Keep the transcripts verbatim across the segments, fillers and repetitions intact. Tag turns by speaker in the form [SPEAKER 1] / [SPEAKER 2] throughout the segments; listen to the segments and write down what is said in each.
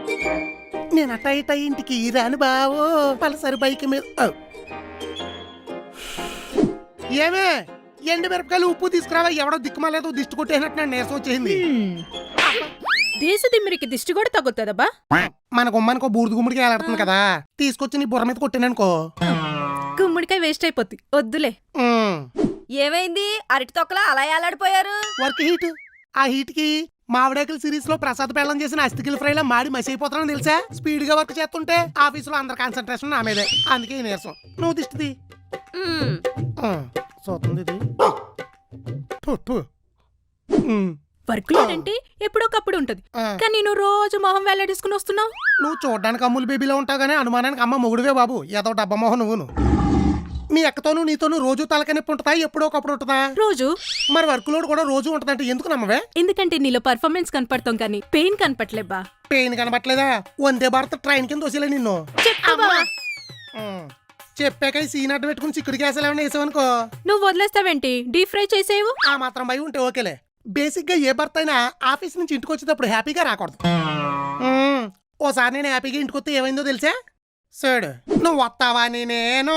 [SPEAKER 1] నేను అట్ట ఇట ఇంటికి రాను బావో పలసరి బైక్ మీద. ఏమే ఎండు మిరపకాయలు ఉప్పు తీసుకురావా, ఎవడో దిక్కుమాలేదు దిష్టి కొట్టేసినట్టు నాకు నీరసం వచ్చేసింది.
[SPEAKER 2] దేశ దిమ్మిరికి దిష్టి కూడా తగ్గుతుందబ్బా.
[SPEAKER 1] మన గుమ్మానికో బూడిద గుమ్మడికి వేలాడుతుంది కదా, తీసుకొచ్చి నీ బుర్ర మీద కొట్టాననుకో
[SPEAKER 2] గుమ్మడికాయ వేస్ట్ అయిపోద్ది, వద్దులే.
[SPEAKER 3] ఏమైంది అరటి తొక్కలా అలా ఏలాడిపోయారు?
[SPEAKER 1] Work heat. ఆ హీట్ కి మావిడాకుల సిరీస్ లో ప్రసాద్ పెళ్ళం చేసిన అస్థికిల ఫ్రైలా మాడి మసి అయిపోతానని తెలుసా? స్పీడ్ గా వర్క్ చేస్తుంటే ఆఫీసులో అందరి కాన్సన్ట్రేషన్ నా మీదే, అందుకే నీరసం. నువ్వు దిష్టిది చూస్తుంది ఇది.
[SPEAKER 2] వర్క్ లేదంటే ఎప్పుడోకప్పుడు ఉంటది, కానీ నువ్వు రోజు మొహం వెల్లడేసుకుని వస్తున్నావు.
[SPEAKER 1] నువ్వు చూడడానికి అమ్ములు బేబీలో ఉంటావు కానీ అనుమానానికి అమ్మ మొగుడువే బాబు. ఏదో డబ్బా మొహం నువ్వును. మీ అక్కతోనూ నీతోనూ రోజు తలకనొప్పి ఉంటుందా, ఎప్పుడో ఒకప్పుడు ఉంటుందా?
[SPEAKER 2] రోజు.
[SPEAKER 1] మరి వర్క్ లోడ్ కూడా రోజు ఉంటదంటే ఎందుకు నమ్మవే?
[SPEAKER 2] ఎందుకంటే నీలో పర్ఫార్మెన్స్ కనపడతాం కానీ పెయిన్ కనపట్లేబ్బా.
[SPEAKER 1] పెయిన్ కనపట్లేదా? వందే భారత్ ట్రైన్ కింద వసేలే నిన్ను. చెప్పాక సీన్ అడ్డు పెట్టుకుని చిక్కుడు గ్యాస్ ఏమైనా వేసావనుకో
[SPEAKER 2] నువ్వు వదిలేస్తావేంటి? Deep fry చేసేవు.
[SPEAKER 1] ఆ మాత్రం భయం ఉంటే ఓకేలే. బేసిక్ గా ఏ భర్త అయినా ఆఫీస్ నుంచి ఇంటికి వచ్చేటప్పుడు హ్యాపీగా రాకూడదు. ఓసారి నేను హ్యాపీగా ఇంటికి వస్తే ఏమైందో తెలుసా? సరే నువ్వు వస్తావని నేను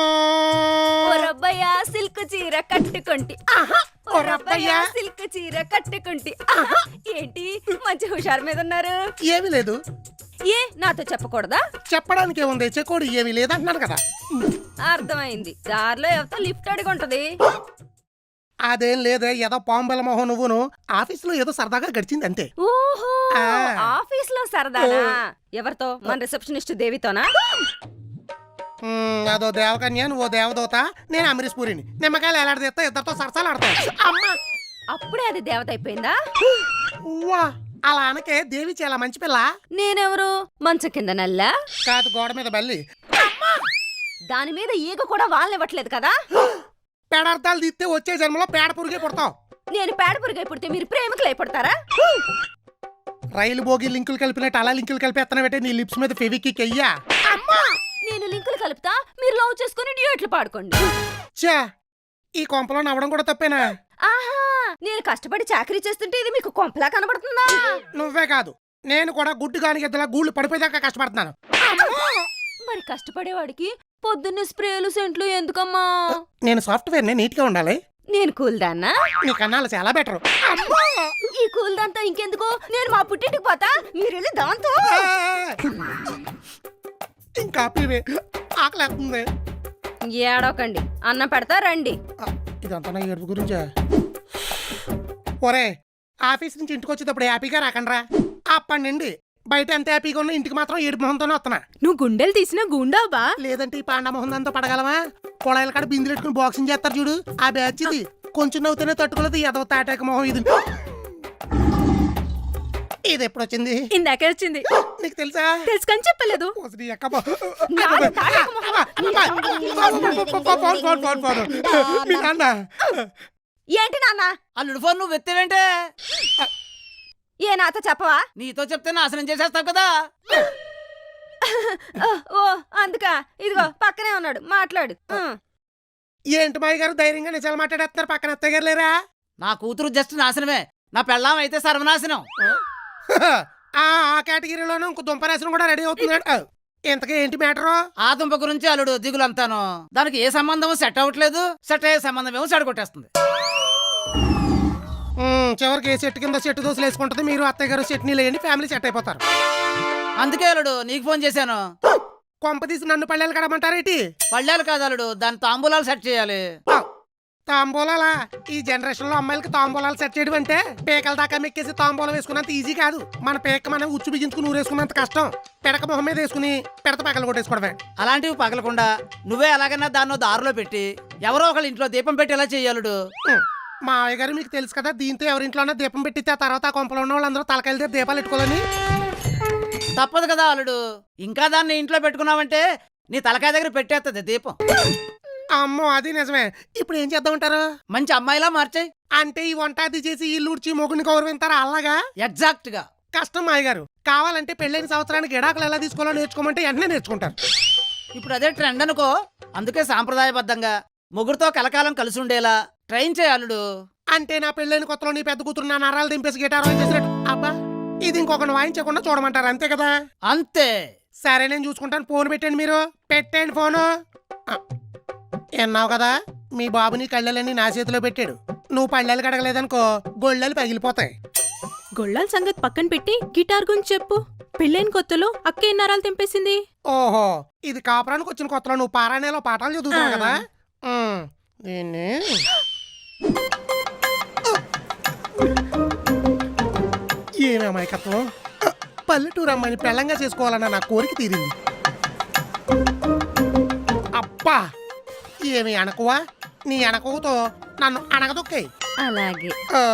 [SPEAKER 3] సిల్క్ చీర కట్టుకుంటి సిల్క్ చీర కట్టుకుంటి. ఏంటి మంచి హుషారు మీద ఉన్నారు?
[SPEAKER 1] ఏమీ లేదు.
[SPEAKER 3] ఏ నాతో చెప్పకూడదా?
[SPEAKER 1] చెప్పడానికి ఏముంది, చెక్కోడు ఏమీ లేదంటున్నాను కదా.
[SPEAKER 3] అర్థమైంది. దారిలో ఎవరితో లిఫ్ట్ అడిగి ఉంటది.
[SPEAKER 1] అదేం లేదే, ఏదో పాంబెల మొహం నువ్వును. ఆఫీస్ లో ఏదో సరదాగా గడిచింది అంతే.
[SPEAKER 3] ఓహో ఆఫీస్ లో సరదానా? ఎవరితో? మన రిసెప్షనిస్ట్ దేవితోనా?
[SPEAKER 1] అదో దేవకన్య, నువ్వు దేవదూత, నేను అమరీష్ పూరిని. నిమ్మకాయలు ఎలాడదీస్తా, ఇద్దరితో సరసాలు ఆడతా. అమ్మా
[SPEAKER 3] అప్పుడే అది దేవత అయిపోయిందా?
[SPEAKER 1] వా అలా అనకే, దేవి చాలా మంచి పిల్ల.
[SPEAKER 3] నేనెవరు? మంచం కింద నల్ల
[SPEAKER 1] కాదు, గోడ మీద బల్లి.
[SPEAKER 3] దాని మీద ఈగ కూడా వాళ్ళనివ్వట్లేదు కదా.
[SPEAKER 1] పేడార్థాలు తీస్తే వచ్చే జన్మలో పేడ పురుగే పుడతావు.
[SPEAKER 3] నేను పేడ పురుగే పుడితే మీరు ప్రేమికులు అయిపడతారా?
[SPEAKER 1] రైలు బోగి లింకులు కలిపినట్టు అలా లింకులు కలిపేస్తానంటే నీ లిప్స్ మీద ఫెవికిక్ అయ్యా.
[SPEAKER 3] నేను లింకులు కలుపుతా, మీరు లవ్ చేసుకుని డ్యూయట్లు పాడుకోండి.
[SPEAKER 1] చా ఈ కొంపలో నవ్వడం కూడా తప్పేనా?
[SPEAKER 3] ఆహా నేను కష్టపడి చాకరీ చేస్తుంటే ఇది మీకు కొంపలా కనబడుతుందా?
[SPEAKER 1] నువ్వే కాదు, నేను కూడా గుడ్డు గాని గద్దలా గూళ్ళు పడిపోయేదాకా కష్టపడుతున్నాను.
[SPEAKER 3] మరి కష్టపడేవాడికి పొద్దున్నే స్ప్రేలు సెంట్లు ఎందుకమ్మా?
[SPEAKER 1] నేను సాఫ్ట్వేర్ నే నీట్ గా ఉండాలి.
[SPEAKER 3] నేను కూల్ దాన్నా?
[SPEAKER 1] నీ కన్నాలు చాలా బెటర్.
[SPEAKER 3] ఈ కూల్ దాంతో ఇంకెందుకు, నేను మా పుట్టింటికి పోతా, మీరు వెళ్ళి దాంతో.
[SPEAKER 1] ఇంకా ఆకలేస్తుంది.
[SPEAKER 3] ఏడవకండి, అన్నం పెడతా రండి.
[SPEAKER 1] ఇదంతా నా ఏడుపు గురించా? ఒరే ఆఫీస్ నుంచి ఇంటికి వచ్చేటప్పుడు హ్యాపీగా రాకండ్రా. అప్పటి నుండి బయట ఎంత హ్యాపీగా ఉన్నా ఇంటికి మాత్రం ఏడుపు మొహంతోనే వస్తున్నా.
[SPEAKER 2] నువ్వు గుండెలు తీసినా గుండావా?
[SPEAKER 1] లేదంటే ఈ పాండ మొహం అంతా పడగలమా? కొళాయిల కాడ బిందులు పెట్టుకుని బాక్సింగ్ చేస్తారు చూడు, ఆ బ్యాచ్ ఇది. కొంచెం నవ్వుతూనే తట్టుకోలేదు ఎదవ తాటాక మొహం ఇది. ఇది ఎప్పుడు వచ్చింది?
[SPEAKER 2] ఇందాకే వచ్చింది.
[SPEAKER 1] నీకు తెలుసా?
[SPEAKER 2] తెలుసుకొని చెప్పలేదు.
[SPEAKER 3] ఏంటి నాన్న?
[SPEAKER 4] అల్లుడు ఫోన్ నువ్వు ఎత్తేవేంటే?
[SPEAKER 3] ఏ నాతో చెప్పవా?
[SPEAKER 4] నీతో చెప్తే నాశనం చేసేస్తావు కదా.
[SPEAKER 3] ఓ అందుకా, ఇదిగో పక్కనే ఉన్నాడు, మాట్లాడు.
[SPEAKER 1] ఏంటి మాయ గారు ధైర్యంగా నిజాలు మాట్లాడేస్తున్నారు, పక్కన అత్తయ్య గారు లేరా?
[SPEAKER 4] నా కూతురు జస్ట్ నాశనమే, నా పెళ్ళాం అయితే సర్వనాశనం.
[SPEAKER 1] ఆ కేటగిరీలోనే ఇంకో దుంపనాశనం కూడా రెడీ అవుతుంది. ఇంతకీ ఏంటి మ్యాటరు?
[SPEAKER 4] ఆ దుంప గురించి అల్లుడు దిగులంతాను. దానికి ఏ సంబంధం సెట్ అవ్వట్లేదు, సెట్ అయ్యే సంబంధం ఏమో చెడగొట్టేస్తుంది.
[SPEAKER 1] చివరికి ఏ చెట్టు కింద చెట్టు దోశలు వేసుకుంటుంది, మీరు అత్తయ్య గారు చట్నీలు వేయండి, ఫ్యామిలీ సెట్ అయిపోతారు.
[SPEAKER 4] అందుకే అల్లుడు నీకు ఫోన్ చేశాను.
[SPEAKER 1] కొంప తీసి నన్ను పళ్ళేలు కడమంటారేటి?
[SPEAKER 4] పళ్ళేలు కాదు అల్లుడు, దాని తాంబూలాలు సెట్ చేయాలి.
[SPEAKER 1] తాంబూలాలా? ఈ జనరేషన్ లో అమ్మాయిలకి తాంబూలాలు సెట్ చేయడం అంటే పేకల దాకా మెక్కేసి తాంబూలం వేసుకున్నంత ఈజీ కాదు. మన పేక మనం ఉచ్చు బిగించుకుని ఊరేసుకున్నంత కష్టం. పెడక మొహం మీద వేసుకుని పెడత పగలు కొట్టేసుకోవడమే.
[SPEAKER 4] అలాంటివి పగలకుండా నువ్వే ఎలాగైనా దాన్నో దారిలో పెట్టి ఎవరో ఒకళ్ళ ఇంట్లో దీపం పెట్టి ఎలా చెయ్యాలుడు?
[SPEAKER 1] మా అయ్య గారు మీకు తెలుసు కదా, దీంతో ఎవరింట్లోనే దీపం పెట్టితే ఆ తర్వాత ఆ కొంపలో ఉన్న వాళ్ళందరూ తలకాయలు దగ్గర దీపాలు పెట్టుకోవాలని.
[SPEAKER 4] తప్పదు కదా అల్లుడు, ఇంకా దాన్ని ఇంట్లో పెట్టుకున్నావంటే నీ తలకాయ దగ్గర పెట్టేస్తుంది దీపం.
[SPEAKER 1] అమ్మో అది నిజమే. ఇప్పుడు ఏం చేద్దామంటారు?
[SPEAKER 4] మంచి అమ్మాయిలా మార్చేయి.
[SPEAKER 1] అంటే ఈ వంట అది చేసి ఇల్లు ఉడిచి మొగుని గౌరవింతారా? అలాగా?
[SPEAKER 4] ఎగ్జాక్ట్ గా.
[SPEAKER 1] కష్టం మాయ గారు. కావాలంటే పెళ్ళైన సంవత్సరానికి గిడాకులు ఎలా తీసుకోవాలో నేర్చుకోమంటే వెంటనే నేర్చుకుంటారు.
[SPEAKER 4] ఇప్పుడు అదే ట్రెండ్ అనుకో. అందుకే సాంప్రదాయబద్ధంగా ముగ్గురుతో కలకాలం కలిసి ఉండేలా ట్రైన్ చేయాలుడు.
[SPEAKER 1] అంటే నా పెళ్ళైన కొత్తలో నీ పెద్ద కూతురు నా నరాలు దింపేసి గిటార్ చేసినట్టు. అబ్బా ఇది ఇంకొకటి వాయించకుండా చూడమంటారు అంతే కదా?
[SPEAKER 4] అంతే.
[SPEAKER 1] సరే నేను చూసుకుంటాను. ఫోన్ పెట్టండి, మీరు పెట్టండి ఫోను. ఆ, విన్నావు కదా, మీ బాబు నీ కళ్ళని నా చేతిలో పెట్టాడు. నువ్వు పళ్ళలు కడగలేదనుకో గొళ్ళలు పగిలిపోతాయి.
[SPEAKER 2] గొళ్ళాల సంగతి పక్కన పెట్టి గిటార్ గురించి చెప్పు. పెళ్ళైన కొత్తలో అక్క ఎన్ని నరాలు తెంపేసింది?
[SPEAKER 1] ఓహో, ఇది కాపురానికి వచ్చిన కొత్తలో నువ్వు పారాయణలో పాఠాలు చదువుతావు కదా. ఉమ్, దీన్ని ఏమి అమాయకత్వం. పల్లెటూరు అమ్మాయిని పెళ్ళంగా చేసుకోవాలన్న నా కోరిక తీరింది. అబ్బా, ఏమి అనకువా, నీ అనకువతో నన్ను అనగదొక్కాయి.
[SPEAKER 3] అలాగే.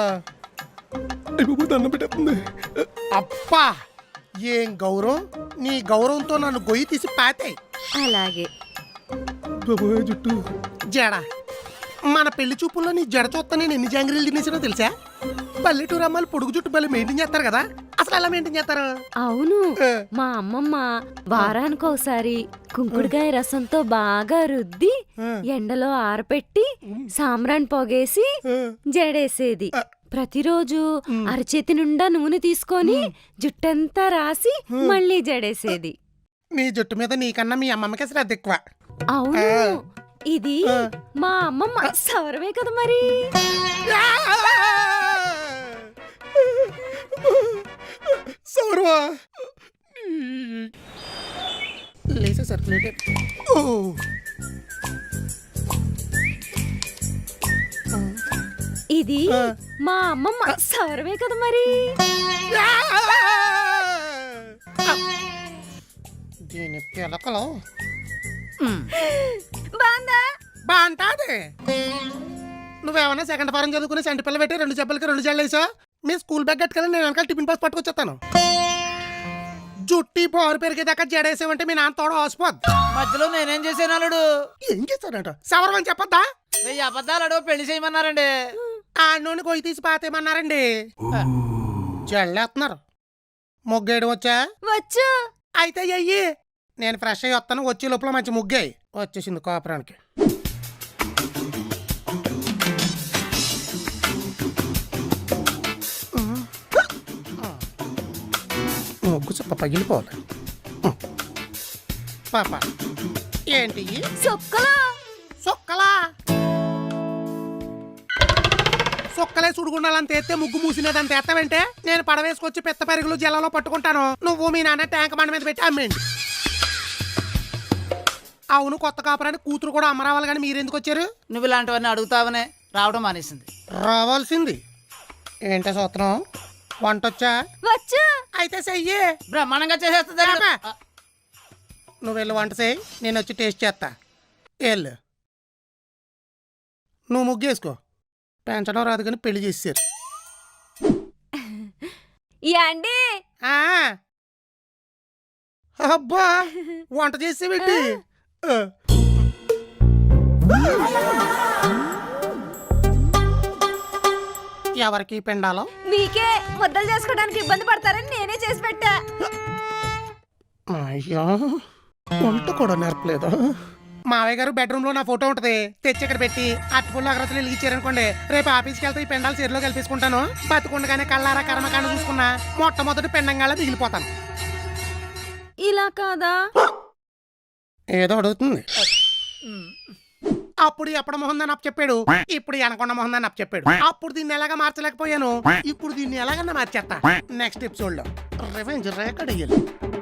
[SPEAKER 1] దండం పెట్టేస్తుంది. అబ్బా, ఏం గౌరవం. నీ గౌరవంతో నన్ను గొయ్యి తీసి పాతాయి.
[SPEAKER 3] అలాగే.
[SPEAKER 1] జుట్టు జడ. మన పెళ్లి చూపుల్లో నీ జడ చూస్తా నేను ఎన్ని జాంగ్రీలు తినేసినా తెలుసా? పల్లెటూరు అమ్మాయిలు పొడుగు జుట్టు బలి మెయింటైన్ చేస్తారు కదా, అసలు ఎలా మెయింటైన్ చేస్తారు?
[SPEAKER 3] అవును,
[SPEAKER 1] ఆ,
[SPEAKER 3] మా అమ్మమ్మ వారానికి ఒకసారి కుంకుడుకాయ రసంతో బాగా రుద్ది
[SPEAKER 1] ఆ,
[SPEAKER 3] ఎండలో ఆరపెట్టి సాంబ్రాణి పొగేసి
[SPEAKER 1] ఆ.
[SPEAKER 3] జడేసేది.
[SPEAKER 1] ఆ.
[SPEAKER 3] ప్రతిరోజు
[SPEAKER 1] ఉమ్.
[SPEAKER 3] అరచేతి నిండా నూనె తీసుకొని జుట్టంతా రాసి
[SPEAKER 1] ఉమ్.
[SPEAKER 3] మళ్ళీ జడేసేది.
[SPEAKER 1] నీ జుట్టు మీద నీకన్నా మీ అమ్మమ్మకి శ్రద్ధ ఎక్కువ.
[SPEAKER 3] అవును,
[SPEAKER 1] ఆ.
[SPEAKER 3] ఇది
[SPEAKER 1] ఆ.
[SPEAKER 3] మా అమ్మమ్మ సవరమే కదా మరి.
[SPEAKER 1] సౌరవా లేసే సర్క్యులేటర్. ఓ
[SPEAKER 3] ఇది
[SPEAKER 1] ఆ.
[SPEAKER 3] మా అమ్మమ్మ సవరమే కదా మరి.
[SPEAKER 1] దీని పిలకలు
[SPEAKER 3] బాందా
[SPEAKER 1] బా అంటాది. నువ్వేమన్నా సెకండ్ ఫారం చదువుకుని సెంటి పిల్ల పెట్టి రెండు చెప్పులకి రెండు జల్లు వేసా. మీ స్కూల్ బ్యాగ్ కట్టుకెళ్ళి నేను వెనకాల టిఫిన్ బాక్స్ పట్టుకొచ్చేస్తాను. జుట్టి పోరు పెరిగేదాకా జడేసావంటే మీ నాన్న తోడ ఆసిపోద్ది.
[SPEAKER 4] మధ్యలో నేనేం చేశాను అల్లుడు?
[SPEAKER 1] ఏం చేస్తాడంట? సవరం అని చెప్పొద్దా?
[SPEAKER 4] వెయ్యి అబద్ధాలు పెళ్లి చేయమన్నారండి.
[SPEAKER 1] ఆ నూనె గొయ్యి తీసి పాతేమన్నారండి. జల్లేస్తున్నారు. ముగ్గేయడం వచ్చా?
[SPEAKER 3] వచ్చు.
[SPEAKER 1] అయితే అయ్యి నేను ఫ్రెష్ అయ్యి వస్తాను. వచ్చే లోపల మంచి ముగ్గాయి వచ్చేసింది కాపురానికి. ముగ్గు చెప్ప పగిలిపోవాలి. పాప ఏంటి
[SPEAKER 3] సొక్కలో
[SPEAKER 1] సొక్కలా? సొక్కలే సుడుగుండాలని తెస్తే ముగ్గు మూసినదని తెస్తావంటే నేను పడవేసుకొచ్చి పెద్ద పెరుగులు జల్లలో పట్టుకుంటాను. నువ్వు మీ నాన్న ట్యాంక్ బండ మీద పెట్టి అమ్మేయండి. అవును, కొత్త కాపురానికి కూతురు కూడా అమ్మరావాలి, కానీ మీరెందుకు వచ్చారు?
[SPEAKER 4] నువ్వు ఇలాంటివన్నీ అడుగుతావనే రావడం మానేసింది.
[SPEAKER 1] రావాల్సింది. ఏంటో సూత్రం? వంట వచ్చా?
[SPEAKER 3] వచ్చు.
[SPEAKER 1] అయితే చెయ్యి.
[SPEAKER 4] బ్రహ్మాండంగా చేసేస్తుంది అల్లుడు.
[SPEAKER 1] రామా. నువ్వు వెళ్ళి వంట చేయి, నేను వచ్చి టేస్ట్ చేస్తా. వెళ్ళు. నువ్వు ముగ్గేసుకో. పెంచడం రాదు కానీ పెళ్లి చేసేసారు.
[SPEAKER 3] యాండి
[SPEAKER 1] ఆ. అబ్బా, వంట చేసి పెట్టి ఎవరికి పిండాలో?
[SPEAKER 3] మీకే ముద్దలు చేసుకోవడానికి ఇబ్బంది పడతారని నేనే చేసి పెట్టా.
[SPEAKER 1] అయ్యో, వంట కూడా నేర్పలేదు. మావయ్య గారు బెడ్రూమ్ లో నా ఫోటో ఉంటది, తెచ్చి ఇక్కడ పెట్టి అట్టుపుల్లు అగ్రతలు వెలిగించారనుకోండి, రేపు ఆఫీస్కి వెళ్తే ఈ పెండాలు చీరలో కలిపేసుకుంటాను. బతుకుండగానే కళ్ళారా కర్మకాండ చూసుకున్నా మొట్టమొదటి పెండంగాళ్ళ మిగిలిపోతాను.
[SPEAKER 3] ఇలా కాదా?
[SPEAKER 1] ఏదో అడుగుతుంది. అప్పుడు ఎప్పటి మొహం దాన్ని అప్పు చెప్పాడు, ఇప్పుడు అనకొండ మొహం దాన్ని అప్పు చెప్పాడు. అప్పుడు దీన్ని ఎలాగా మార్చలేకపోయాను, ఇప్పుడు దీన్ని ఎలాగన్నా మార్చేస్తా. నెక్స్ట్ ఎపిసోడ్ లో రివెంజ్ రేకడ్ అయ్యాలి.